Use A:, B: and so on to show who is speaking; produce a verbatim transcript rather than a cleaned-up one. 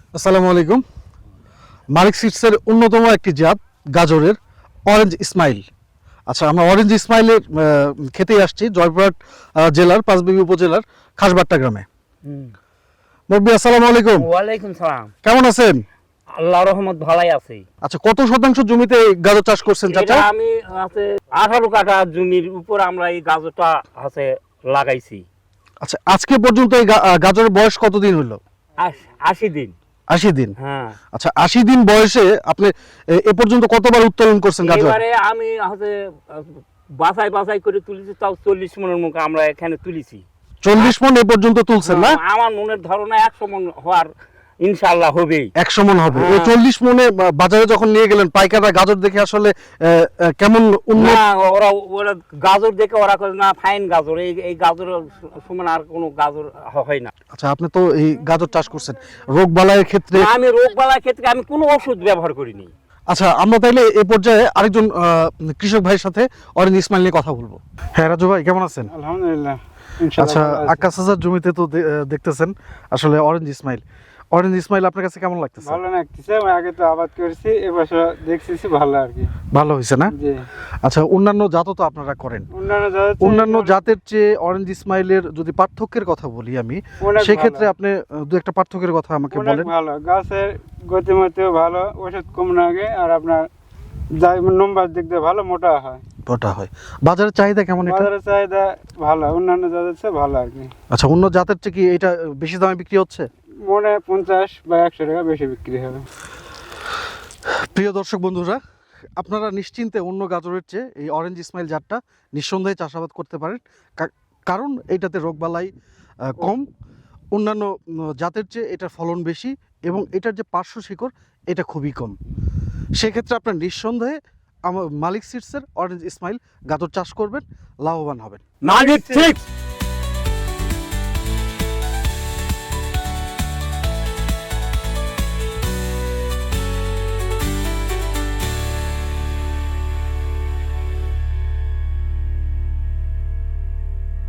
A: আসসালামু আলাইকুম। মালিক সিডসের অন্যতম একটি জাত গাজরের অরেঞ্জ ইসমাইল। আচ্ছা, আমরা অরেঞ্জ ইসমাইলের আহ, খেতেই আসছি জয়পুরহাট আহ, জেলার পাঁচবিবি উপজেলার খাসবাট্টা গ্রামে। মুরব্বী আসসালামু আলাইকুম,
B: ওয়ালাইকুম সালাম।
A: কেমন আছেন?
B: আল্লাহ রহমত ভালাই আছি।
A: আচ্ছা, কত শতাংশ জমিতে এই গাজর চাষ করছেন চাচা?
B: এটা আমি আছে আঠারো কাঠা জমির উপর আমরা এই গাজরটা আছে লাগাইছি।
A: আচ্ছা, আজকে পর্যন্ত এই গা- আহ, গাজরের বয়স কতদিন হলো?
B: আশ- আশি দিন।
A: আশি দিন।
B: হ্যাঁ,
A: আচ্ছা, আশি দিন বয়সে আপনি এ- এ পর্যন্ত কতবার উত্তোলন করছেন গাজর?
B: এবারে আমি হচ্ছে বাছাই বাছাই করে তুলেছি, তাও চল্লিশ মনের মুখে আমরা এখানে তুলেছি।
A: চল্লিশ মন এ পর্যন্ত তুলছেন না?
B: আমার মনের ধারণা একশো মন হওয়ার ইনশাআল্লাহ হবেই।
A: একশো মন হবে। এই
B: হ্যাঁ।
A: চল্লিশ মনে বা- বাজারে যখন নিয়ে গেলেন পাইকাররা গাজর দেখে আসলে আহ, আহ, কেমন উন্নত?
B: না, ওরা ওরা গাজর দেখে ওরা করে না ফাইন গাজর, এই এই গাজর সমান আর কোনো গাজর হয় না।
A: আচ্ছা, আপনি তো এই গাজর চাষ করছেন, রোগ বালাইয়ের ক্ষেত্রে।
B: আমি রোগ বালার ক্ষেত্রে আমি কোনো ওষুধ ব্যবহার করিনি।
A: আচ্ছা, আমরা তাইলে এই পর্যায়ে আরেকজন আহ, কৃষক ভাইয়ের সাথে অরেঞ্জ ইসমাইল নিয়ে কথা বলবো। হ্যাঁ রাজু ভাই, কেমন আছেন?
C: আলহামদুলিল্লাহ।
A: আচ্ছা, আকাশ হাজার জমিতে তো দে- আহ, দেখতেছেন আসলে অরেঞ্জ ইসমাইল। অরেঞ্জ ইসমাইল আপনার কাছে কেমন লাগতেছে?
C: ভালো লাগতেছে। আমি আগে তো আবাদ করেছি, এবছর দেখতেছি ভালো আর কি।
A: ভালো হয়েছে না?
C: জি।
A: আচ্ছা, অন্যান্য জাতও তো আপনারা করেন।
C: অন্যান্য জাতের চেয়ে
A: অন্যান্য
C: অনেক-
A: জাতের চেয়ে অরেঞ্জ ইসমাইলের যদি পার্থক্যের কথা বলি আমি,
C: অনেক
A: সেক্ষেত্রে
C: ভালো।
A: আপনি আহ, দু একটা পার্থক্যের কথা আমাকে
C: অনেক
A: বলেন।
C: ভালো। গাছের গতিমতিও ভালো, ওষুধ কম লাগে, আর আপনার যাই নম্বর দিক দিয়ে ভালো মোটা হয়।
A: ওটা হয়। বাজারের চাহিদা কেমন এটা?
C: বাজারের চাহিদা ভালো, অন্যান্য জাতের চেয়ে ভালো আর কি।
A: আচ্ছা, অন্য জাতের চেয়ে কি এটা বেশি দামে বিক্রি হচ্ছে?
C: মনে হয় পঞ্চাশ বা একশো টাকা বেশি বিক্রি হবে।
A: প্রিয় দর্শক বন্ধুরা, আপনারা নিশ্চিন্তে অন্য গাজরের চেয়ে এই অরেঞ্জ ইসমাইল জাতটা নিঃসন্দেহে চাষাবাদ করতে পারেন, কা- কারণ এইটাতে রোগবালাই আহ, কম, অন্যান্য উম, জাতের চেয়ে এটার ফলন বেশি এবং এটার যে পার্শ্ব শিকড় এটা খুবই কম। সেক্ষেত্রে আপনার নিঃসন্দেহে আমার মালিক সিডসের অরেঞ্জ ইসমাইল গাজর চাষ করবেন, লাভবান হবেন।
B: মালিক সিক্স